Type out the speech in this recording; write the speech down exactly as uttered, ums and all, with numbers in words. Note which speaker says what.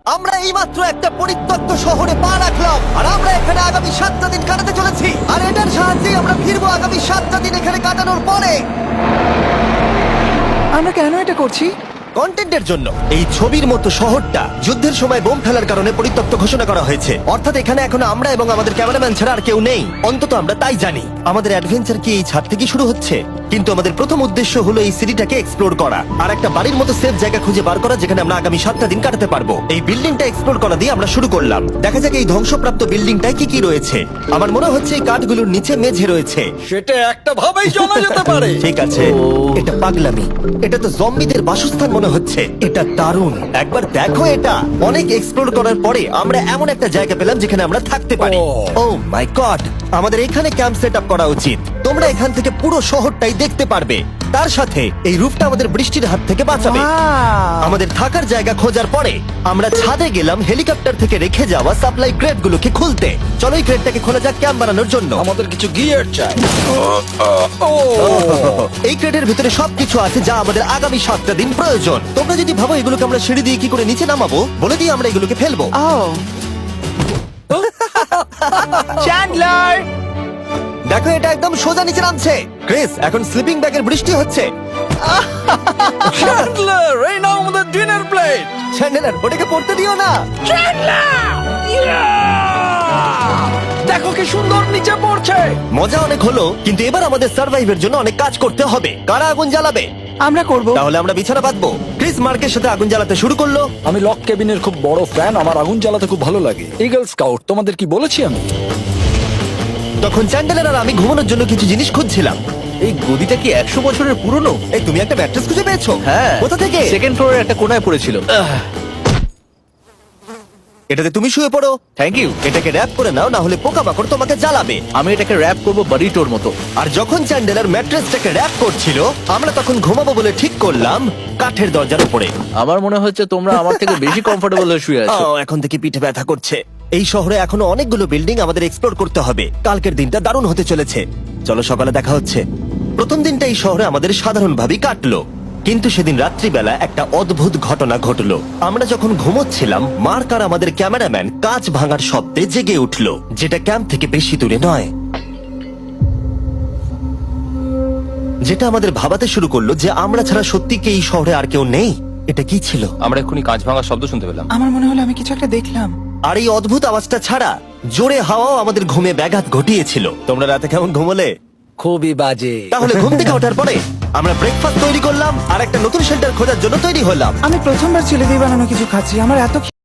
Speaker 1: আমরা এইমাত্র একটা পরিত্যক্ত শহরে পা রাখলাম আর আমরা এখানে আগামী সাতটা দিন কাটাতে চলেছি আর এটার সাহায্যে আমরা ফিরবো আগামী সাতটা দিন এখানে কাটানোর পরে।
Speaker 2: আমরা কেন এটা করছি?
Speaker 1: কন্টেন্টের জন্য। এই ছবির মতো শহরটা যুদ্ধের সময় বোম ফেলার কারণে পরিত্যক্ত ঘোষণা করা হয়েছে, অর্থাৎ এখানে এখন আমরা এবং আমাদের ক্যামেরাম্যান ছাড়া আর কেউ নেই। অন্তত আমরা তাই জানি। আমাদের অ্যাডভেঞ্চার কি এই ছাদ থেকে শুরু হচ্ছে? কিন্তু আমাদের প্রথম উদ্দেশ্য হলো এই সিটিটাকে এক্সপ্লোর করা আর একটা বাড়ির মতো সেফ জায়গা খুঁজে বার করা যেখানে আমরা আগামী সাতটা দিন কাটাতে পারবো। এই বিল্ডিংটা এক্সপ্লোর করা দিয়ে আমরা শুরু করলাম। দেখা যাক এই ধ্বংসপ্রাপ্ত বিল্ডিংটায় কি কি রয়েছে। আমার মনে হচ্ছে এই কাঠগুলোর নিচে মেঝে রয়েছে।
Speaker 3: সেটা একটা ভাবেই জানা যেতে পারে।
Speaker 1: ঠিক আছে, এটা পাগলামি। এটা তো জম্বিদের বাসস্থান মনে হচ্ছে। এটা দারুণ, একবার দেখো এটা। অনেক এক্সপ্লোর করার পরে আমরা এমন একটা জায়গা পেলাম যেখানে আমরা থাকতে পারি। ও মাই গড, আমাদের এখানে ক্যাম্প সেট আপ করা উচিত। তোমরা এখান থেকে পুরো শহরটাই দেখতে পারবে। তার সাথে এই রূপটা আমাদের বৃষ্টির হাত থেকে বাঁচাবে।
Speaker 2: Wow!
Speaker 1: আমাদের থাকার জায়গা খোঁজার পরে আমরা ছাদে গেলাম হেলিকপ্টার থেকে রেখে যাওয়া সাপ্লাই ক্রেট গুলোকে খুলতে। চলো এই ক্রেটটাকে খোলা যাক ক্যাম্প বানানোর জন্য।
Speaker 3: আমাদের কিছু গিয়ার চাই।
Speaker 1: এই ক্রেটের ভিতরে সবকিছু আছে যা আমাদের আগামী সাতটা দিন প্রয়োজন। তোমরা যদি ভাবো এগুলোকে আমরা সিঁড়ি দিয়ে কি করে নিচে নামাবো, বলে দিয়ে আমরা এগুলোকে ফেলবো।
Speaker 2: Oh! চ্যান্ডলার!
Speaker 1: দেখো এটা একদম সোজা নিচে নামছে। ক্রিস, এখন স্লিপিং ব্যাগের বৃষ্টি হচ্ছে।
Speaker 3: চ্যান্ডলার, এই নাও আমাদের ডিনার প্লেট।
Speaker 1: চ্যান্ডেলার, ওটাকে পড়তে দিও না।
Speaker 3: দেখো কি সুন্দর নিচে পড়ছে।
Speaker 1: মজা অনেক হলো, কিন্তু এবার আমাদের সার্ভাইভের জন্য অনেক কাজ করতে হবে। কারা আগুন জ্বালাবে?
Speaker 2: আমরা করব।
Speaker 1: তাহলে আমরা বিছানা বাঁধবো। ক্রিস মার্কের সাথে আগুন জ্বালাতে শুরু করলো।
Speaker 3: আমি লক কেবিনের খুব বড় ফ্যান, আমার আগুন জ্বালাতে খুব ভালো লাগে। ইগল স্কাউট, তোমাদের কি বলেছি আমি?
Speaker 1: তখন চ্যান্ডেলার আর আমি ঘুমানোর জন্য কিছু জিনিস খুঁজছিলাম।
Speaker 4: এই গদিটা কি একশো বছরের পুরনো?
Speaker 1: এই তুমি একটা ম্যাট্রেস খুঁজে পেয়েছো?
Speaker 4: হ্যাঁ।
Speaker 1: কোথা থেকে?
Speaker 4: সেকেন্ড ফ্লোরের একটা কোনায় পড়েছিল।
Speaker 1: এটাতে তুমি শুয়ে পড়ো।
Speaker 4: Thank you.
Speaker 1: এটাকে র‍্যাপ করে নাও, না হলে পোকামাকড় তোমাকে জ্বালাবে।
Speaker 4: আমি এটাকে র‍্যাপ করব বারিটোর মতো।
Speaker 1: আর যখন চ্যান্ডেলার ম্যাট্রেসটাকে র‍্যাপ করছিল, আমরা তখন ঘুমাবো বলে ঠিক করলাম কাঠের দরজার উপরে।
Speaker 4: আমার মনে হচ্ছে তোমরা আমার থেকে বেশি কমফোর্টেবল হয়ে শুয়ে আছো।
Speaker 1: আহ, এখন থেকে পিঠে ব্যথা করছে। এই শহরে এখনো অনেকগুলো বিল্ডিং আমাদের এক্সপ্লোর করতে হবে। কালকের দিনটা দারুণ হতে চলেছে। চলো সকালে দেখা হচ্ছে। প্রথম দিনটা এই শহরে আমাদের সাধারণভাবেই কাটলো, কিন্তু সেদিন রাত্রিবেলা একটা অদ্ভুত ঘটনা ঘটলো। আমরা যখন ঘুমোচ্ছিলাম, মার্ক আর আমাদের ক্যামেরাম্যান কাঁচ ভাঙার শব্দে জেগে উঠলো, যেটা ক্যাম্প থেকে বেশি দূরে নয়। যেটা আমাদের ভাবাতে শুরু করলো যে আমরা ছাড়া সত্যি কি এই শহরে আর কেউ নেই। এটা কি ছিল?
Speaker 5: আমরা এক্ষুনি কাঁচ ভাঙার শব্দ শুনতে পেলাম।
Speaker 2: আমার মনে হলো আমি কিছু একটা দেখলাম।
Speaker 1: আর এই অদ্ভুত আওয়াজটা ছাড়া জোরে হাওয়াও আমাদের ঘুমে ব্যাঘাত ঘটিয়েছিল। তোমরা রাতে কেমন ঘুমোলে?
Speaker 3: খুবই বাজে।
Speaker 1: তাহলে ঘুম থেকে ওঠার পরে আমরা ব্রেকফাস্ট তৈরি করলাম আর একটা নতুন শেল্টার খোঁজার জন্য তৈরি হলাম।
Speaker 2: আমি প্রথমবার ছেলে দিয়ে বানানো কিছু খাচ্ছি। আমার এত